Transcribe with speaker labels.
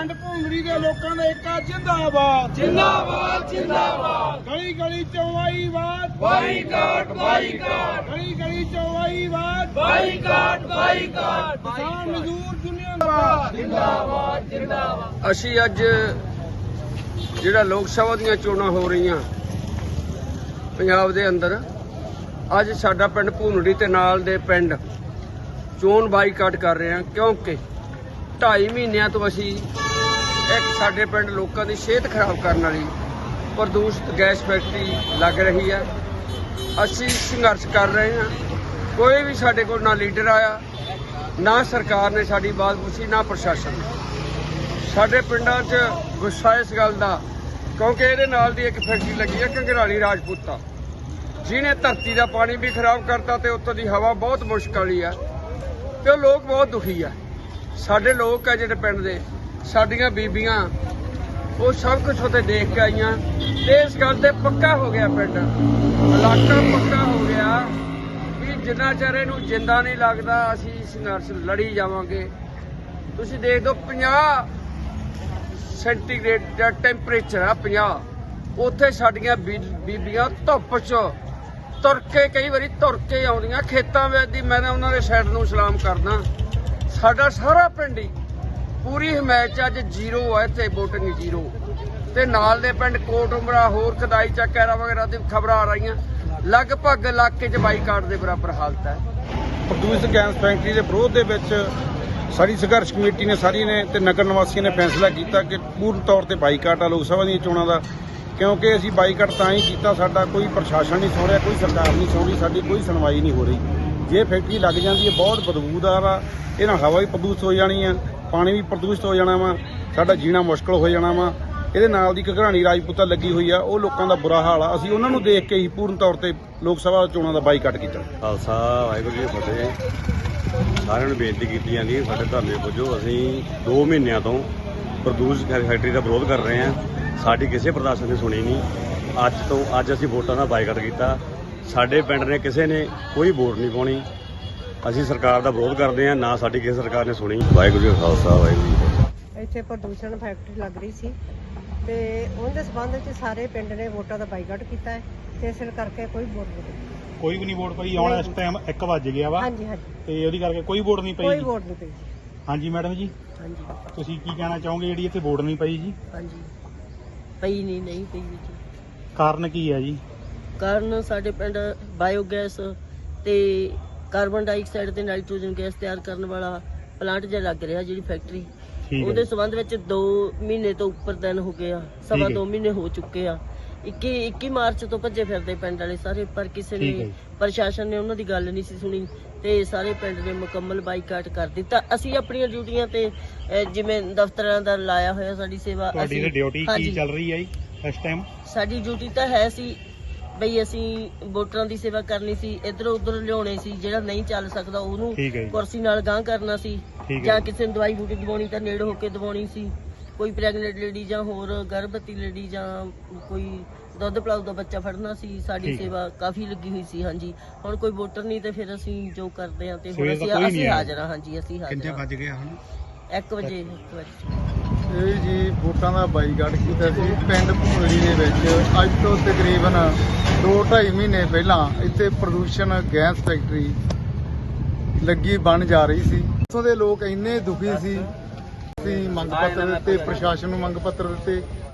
Speaker 1: ਪਿੰਡ ਭੂੰਗੜੀ ਦੇ ਲੋਕਾਂ ਦਾ ਏਕਾ ਜਿੰਦਾਬਾਦ
Speaker 2: ਜਿੰਦਾਬਾਦ ਜਿੰਦਾਬਾਦ।
Speaker 1: ਗਲੀ ਗਲੀ ਚੌਵਾਈਵਾਦ
Speaker 2: ਬਾਈਕਾਟ ਬਾਈਕਾਟ
Speaker 1: ਗਲੀ ਗਲੀ ਚੌਵਾਈਵਾਦ
Speaker 2: ਬਾਈਕਾਟ ਬਾਈਕਾਟ।
Speaker 1: ਕਿਸਾਨ ਮਜ਼ਦੂਰ ਯੂਨੀਅਨ ਦਾ
Speaker 2: ਜਿੰਦਾਬਾਦ ਜਿੰਦਾਬਾਦ।
Speaker 3: ਅਸੀਂ ਅੱਜ ਜਿਹੜਾ ਲੋਕ ਸਭਾ ਦੀਆਂ ਚੋਣਾਂ ਹੋ ਰਹੀਆਂ ਪੰਜਾਬ ਦੇ ਅੰਦਰ, ਅੱਜ ਸਾਡਾ ਪਿੰਡ ਭੂੰਗੜੀ ਤੇ ਨਾਲ ਦੇ ਪਿੰਡ ਚੋਣ ਬਾਈਕਾਟ ਕਰ ਰਹੇ ਹਾਂ, ਕਿਉਂਕਿ 2.5 ਮਹੀਨਿਆਂ ਤੋਂ ਅਸੀਂ ਇੱਕ ਸਾਡੇ ਪਿੰਡ ਲੋਕਾਂ ਦੀ ਸਿਹਤ ਖਰਾਬ ਕਰਨ ਵਾਲੀ ਪ੍ਰਦੂਸ਼ਿਤ ਗੈਸ ਫੈਕਟਰੀ ਲੱਗ ਰਹੀ ਹੈ। ਅਸੀਂ ਸੰਘਰਸ਼ ਕਰ ਰਹੇ ਹਾਂ। ਕੋਈ ਵੀ ਸਾਡੇ ਕੋਲ ਨਾ ਲੀਡਰ ਆਇਆ, ਨਾ ਸਰਕਾਰ ਨੇ ਸਾਡੀ ਬਾਤ ਪੁੱਛੀ, ਨਾ ਪ੍ਰਸ਼ਾਸਨ ਨੇ। ਸਾਡੇ ਪਿੰਡਾਂ 'ਚ ਗੁੱਸਾ ਇਸ ਗੱਲ ਦਾ, ਕਿਉਂਕਿ ਇਹਦੇ ਨਾਲ ਦੀ ਇੱਕ ਫੈਕਟਰੀ ਲੱਗੀ ਹੈ ਘੰਗਰਾਲੀ ਰਾਜਪੂਤਾ, ਜਿਹਨੇ ਧਰਤੀ ਦਾ ਪਾਣੀ ਵੀ ਖਰਾਬ ਕਰਤਾ ਤੇ ਉੱਥੋਂ ਦੀ ਹਵਾ ਬਹੁਤ ਮੁਸ਼ਕਲ ਵਾਲੀ ਆ ਤੇ ਉਹ ਲੋਕ ਬਹੁਤ ਦੁਖੀ ਆ। ਸਾਡੇ ਲੋਕ ਆ ਜਿਹੜੇ ਪਿੰਡ ਦੇ, ਸਾਡੀਆਂ ਬੀਬੀਆਂ, ਉਹ ਸਭ ਕੁਝ ਉੱਥੇ ਦੇਖ ਕੇ ਆਈਆਂ ਤੇ ਇਸ ਗੱਲ ਤੇ ਪੱਕਾ ਹੋ ਗਿਆ, ਪਿੰਡ ਇਲਾਕਾ ਪੱਕਾ ਹੋ ਗਿਆ ਵੀ ਜਿੰਨਾ ਚਿਰ ਇਹਨੂੰ ਜਿੰਦਾ ਨਹੀਂ ਲੱਗਦਾ ਅਸੀਂ ਸੰਘਰਸ਼ ਲੜੀ ਜਾਵਾਂਗੇ। ਤੁਸੀਂ ਦੇਖ ਦਿਓ 50 ਸੈਂਟੀਗ੍ਰੇਡ ਦਾ ਟੈਂਪਰੇਚਰ ਆ, 50। ਉੱਥੇ ਸਾਡੀਆਂ ਬੀਬੀਆਂ ਧੁੱਪ 'ਚ ਤੁਰ ਕੇ, ਕਈ ਵਾਰੀ ਤੁਰ ਕੇ ਆਉਂਦੀਆਂ ਖੇਤਾਂ ਵਿੱਚ ਦੀ। ਮੈਂ ਤਾਂ ਉਹਨਾਂ ਦੇ ਸਾਈਡ ਨੂੰ ਸਲਾਮ ਕਰਦਾ। ਸਾਡਾ ਸਾਰਾ ਪਿੰਡ ਹੀ ਪੂਰੀ ਹਮਾਇਤ 'ਚ ਅੱਜ ਜ਼ੀਰੋ ਹੈ, ਇੱਥੇ ਵੋਟਿੰਗ ਜ਼ੀਰੋ। ਤੇ ਨਾਲ ਦੇ ਪਿੰਡ ਕੋਟ ਉਮਰਾ, ਹੋਰ ਖਦਾਈ ਚੱਕ ਐਰਾ ਵਗੈਰਾ ਦੀ ਖਬਰਾਂ ਆ ਰਹੀਆਂ। ਲਗਭਗ ਇਲਾਕੇ 'ਚ ਬਾਈਕਾਟ ਦੇ ਬਰਾਬਰ ਹਾਲਤ ਹੈ।
Speaker 1: ਪ੍ਰਦੂਸ਼ਿਤ ਗੈਸ ਫੈਕਟਰੀ ਦੇ ਵਿਰੋਧ ਦੇ ਵਿੱਚ ਸਾਡੀ ਸੰਘਰਸ਼ ਕਮੇਟੀ ਨੇ ਸਾਰੀ ਨੇ ਤੇ ਨਗਰ ਨਿਵਾਸੀਆਂ ਨੇ ਫੈਸਲਾ ਕੀਤਾ ਕਿ ਪੂਰਨ ਤੌਰ ਤੇ ਬਾਈਕਾਟ ਆ ਲੋਕ ਸਭਾ ਦੀਆਂ ਚੋਣਾਂ ਦਾ। ਕਿਉਂਕਿ ਅਸੀਂ ਬਾਈਕਾਟ ਤਾਂ ਹੀ ਕੀਤਾ, ਸਾਡਾ ਕੋਈ ਪ੍ਰਸ਼ਾਸਨ ਨਹੀਂ ਸੁਣ ਰਿਹਾ, ਕੋਈ ਸਰਕਾਰ ਨਹੀਂ ਸੁਣ ਰਹੀ, ਸਾਡੀ ਕੋਈ ਸੁਣਵਾਈ ਨਹੀਂ ਹੋ ਰਹੀ। ਜੇ ਫੈਕਟਰੀ ਲੱਗ ਜਾਂਦੀ ਹੈ ਬਹੁਤ ਬਦਬੂਦਾਰ ਆ, ਇਹ ਨਾਲ ਹਵਾ ਵੀ ਪ੍ਰਦੂਸ਼ਿਤ ਹੋ ਜਾਣੀ ਆ, ਪਾਣੀ ਵੀ ਪ੍ਰਦੂਸ਼ਿਤ ਹੋ ਜਾਣਾ ਵਾ, ਸਾਡਾ ਜੀਣਾ ਮੁਸ਼ਕਲ ਹੋ ਜਾਣਾ ਵਾ। ਇਹਦੇ ਨਾਲ ਦੀ ਘਗਰਾਣੀ ਰਾਜਪੂਤਾ ਲੱਗੀ ਹੋਈ ਆ, ਉਹ ਲੋਕਾਂ ਦਾ ਬੁਰਾ ਹਾਲ ਆ। ਅਸੀਂ ਉਹਨਾਂ ਨੂੰ ਦੇਖ ਕੇ ਹੀ ਪੂਰਨ ਤੌਰ ਤੇ ਲੋਕ ਸਭਾ ਚੋਣਾਂ ਦਾ ਬਾਈਕਾਟ ਕੀਤਾ।
Speaker 4: ਖਾਲਸਾ ਵਾਹਿਗੁਰੂ ਜੀ ਕੀ ਫਤਿਹ। ਸਾਰਿਆਂ ਨੂੰ ਬੇਨਤੀ ਕੀਤੀ ਜਾਂਦੀ ਹੈ, ਸਾਡੇ ਧਰਨੇ ਪੁੱਜੋ। ਅਸੀਂ 2 ਮਹੀਨਿਆਂ ਤੋਂ ਪ੍ਰਦੂਸ਼ਿਤ ਫੈਕਟਰੀ ਦਾ ਵਿਰੋਧ ਕਰ ਰਹੇ ਹਾਂ। ਸਾਡੀ ਕਿਸੇ ਪ੍ਰਸ਼ਾਸਨ ਨੇ ਸੁਣੀ ਨਹੀਂ। ਅੱਜ ਅਸੀਂ ਵੋਟਾਂ ਦਾ ਬਾਈਕਾਟ ਕੀਤਾ। ਸਾਡੇ ਪਿੰਡ ਨੇ ਕਿਸੇ ਨੇ ਕੋਈ ਵੋਟ ਨਹੀਂ ਪਾਉਣੀ। ਅਸੀਂ ਸਰਕਾਰ ਦਾ ਵਿਰੋਧ ਕਰਦੇ ਹਾਂ, ਨਾ ਸਾਡੀ ਕਿਸੇ ਸਰਕਾਰ ਨੇ ਸੁਣੀ। ਵਾਹਿਗੁਰੂ ਜੀ ਕਾ ਖਾਲਸਾ ਵਾਹਿਗੁਰੂ ਜੀ ਕੀ ਫਤਿਹ।
Speaker 5: ਇੱਥੇ ਪ੍ਰਦੂਸ਼ਣ ਫੈਕਟਰੀ ਲੱਗ ਰਹੀ ਸੀ ਤੇ ਉਹਦੇ ਸਬੰਧ ਵਿੱਚ ਸਾਰੇ ਪਿੰਡ ਨੇ ਵੋਟਾਂ ਦਾ ਬਾਈਕਾਟ ਕੀਤਾ ਹੈ ਤੇ ਇਸ ਕਰਕੇ ਕੋਈ ਵੋਟ ਨਹੀਂ ਪਈ।
Speaker 1: ਕੋਈ ਵੀ ਨਹੀਂ ਵੋਟ ਪਈ। ਹੁਣ ਇਸ ਟਾਈਮ 1 ਵੱਜ ਗਿਆ ਵਾ
Speaker 5: ਹਾਂਜੀ ਹਾਂਜੀ,
Speaker 1: ਤੇ ਉਹਦੀ ਕਰਕੇ ਕੋਈ ਵੋਟ ਨਹੀਂ ਪਈ।
Speaker 5: ਕੋਈ ਵੋਟ ਨਹੀਂ ਪਈ।
Speaker 1: ਹਾਂਜੀ ਮੈਡਮ ਜੀ,
Speaker 5: ਹਾਂਜੀ
Speaker 1: ਤੁਸੀਂ ਕੀ ਕਹਿਣਾ ਚਾਹੋਗੇ ਜਿਹੜੀ ਇੱਥੇ ਵੋਟ ਨਹੀਂ ਪਈ ਜੀ?
Speaker 6: ਹਾਂਜੀ, ਪਈ ਨਹੀਂ ਪਈ ਜੀ।
Speaker 1: ਕਾਰਨ ਕੀ ਹੈ ਜੀ?
Speaker 6: ਕਾਰਨ ਸਾਡੇ ਪਿੰਡ ਬਾਇਓਗੈਸ ਤੇ ਕਾਰਬਨ ਡਾਈਆਕਸਾਈਡ ਤੇ ਨਾਈਟ੍ਰੋਜਨ ਗੈਸ ਤਿਆਰ ਕਰਨ ਵਾਲਾ ਪਲਾਂਟ ਜਿਹਾ ਲੱਗ ਰਿਹਾ, ਜਿਹੜੀ ਫੈਕਟਰੀ, ਉਹਦੇ ਸੰਬੰਧ ਵਿੱਚ 2 ਮਹੀਨੇ ਤੋਂ ਉੱਪਰ ਦਿਨ ਹੋ ਗਏ ਆ, ਸਵਾ 2 ਮਹੀਨੇ ਹੋ ਚੁੱਕੇ ਆ। 21 ਮਾਰਚ ਤੋਂ ਭੱਜੇ ਫਿਰਦੇ ਪਿੰਡ ਵਾਲੇ ਸਾਰੇ, ਪਰ ਕਿਸੇ ਨੇ, ਪ੍ਰਸ਼ਾਸਨ ਨੇ ਉਹਨਾਂ ਦੀ ਗੱਲ ਨਹੀਂ ਸੀ ਸੁਣੀ ਤੇ ਸਾਰੇ ਪਿੰਡ ਨੇ ਮੁਕੰਮਲ ਬਾਈਕਾਟ ਕਰ ਦਿੱਤਾ। ਅਸੀਂ ਆਪਣੀਆਂ ਡਿਊਟੀਆਂ ਤੇ ਜਿਵੇਂ ਦਫ਼ਤਰਾਂ ਦਾ ਲਾਇਆ ਹੋਇਆ ਸਾਡੀ ਸੇਵਾ।
Speaker 1: ਤੁਹਾਡੀ ਡਿਊਟੀ ਕੀ ਚੱਲ ਰਹੀ ਹੈ ਜੀ ਇਸ ਟਾਈਮ?
Speaker 6: ਸਾਡੀ ਡਿਊਟੀ ਤਾਂ ਹੈ ਸੀ ਬਈ ਅਸੀਂ ਵੋਟਰਾਂ ਦੀ ਸੇਵਾ ਕਰਨੀ ਸੀ, ਇੱਧਰੋਂ ਉੱਧਰ ਲਿਆਉਣੇ ਸੀ, ਜਿਹੜਾ ਨਹੀਂ ਚੱਲ ਸਕਦਾ ਉਹਨੂੰ ਕੁਰਸੀ ਨਾਲ ਗਾਂਹ ਕਰਨਾ ਸੀ, ਜਾਂ ਕਿਸੇ ਨੂੰ ਦਵਾਈ ਬੂਟੀ ਦਵਾਉਣੀ ਤਾਂ ਨੇੜੇ ਹੋ ਕੇ ਦਵਾਉਣੀ ਸੀ। ਕੋਈ ਪ੍ਰੈਗਨੈਂਟ ਲੇਡੀ ਜਾਂ ਹੋਰ ਗਰਭਵਤੀ ਲੇਡੀ ਜਾਂ ਕੋਈ ਦੁੱਧ ਪਿਲਾਉ ਦਾ ਬੱਚਾ ਫੜਨਾ ਸੀ, ਸਾਡੀ ਸੇਵਾ ਕਾਫੀ ਲੱਗੀ ਹੋਈ ਸੀ। ਹਾਂਜੀ, ਹੁਣ ਕੋਈ ਵੋਟਰ ਨਹੀਂ ਤੇ ਫਿਰ ਅਸੀਂ ਜੋ ਕਰਦੇ ਹਾਂ ਤੇ ਹੁਣ ਅਸੀਂ ਹਾਜ਼ਰ ਹਾਂ। ਹਾਂਜੀ, ਅਸੀਂ ਹਾਜ਼ਰ।
Speaker 1: ਕਿੰਨੇ ਵੱਜ ਗਏ ਹੁਣ?
Speaker 6: 1 ਵਜੇ।
Speaker 7: ਇਹ ਜੀ ਵੋਟਾਂ ਦਾ ਬਾਈਕਾਟ ਕੀਤਾ ਸੀ ਪਿੰਡ ਭੂੰਗੜੀ ਦੇ ਵਿੱਚ। ਅੱਜ ਤੋਂ ਤਕਰੀਬਨ 2-2.5 ਮਹੀਨੇ ਪਹਿਲਾਂ ਇੱਥੇ ਪ੍ਰਦੂਸ਼ਣ ਗੈਸ ਫੈਕਟਰੀ ਲੱਗੀ ਬਣ ਜਾ ਰਹੀ ਸੀ। ਉੱਥੋਂ ਦੇ ਲੋਕ ਇੰਨੇ ਦੁਖੀ ਸੀ, ਅਸੀਂ ਮੰਗ ਪੱਤਰ ਦਿੱਤੇ, ਪ੍ਰਸ਼ਾਸਨ ਨੂੰ ਮੰਗ ਪੱਤਰ ਦਿੱਤੇ,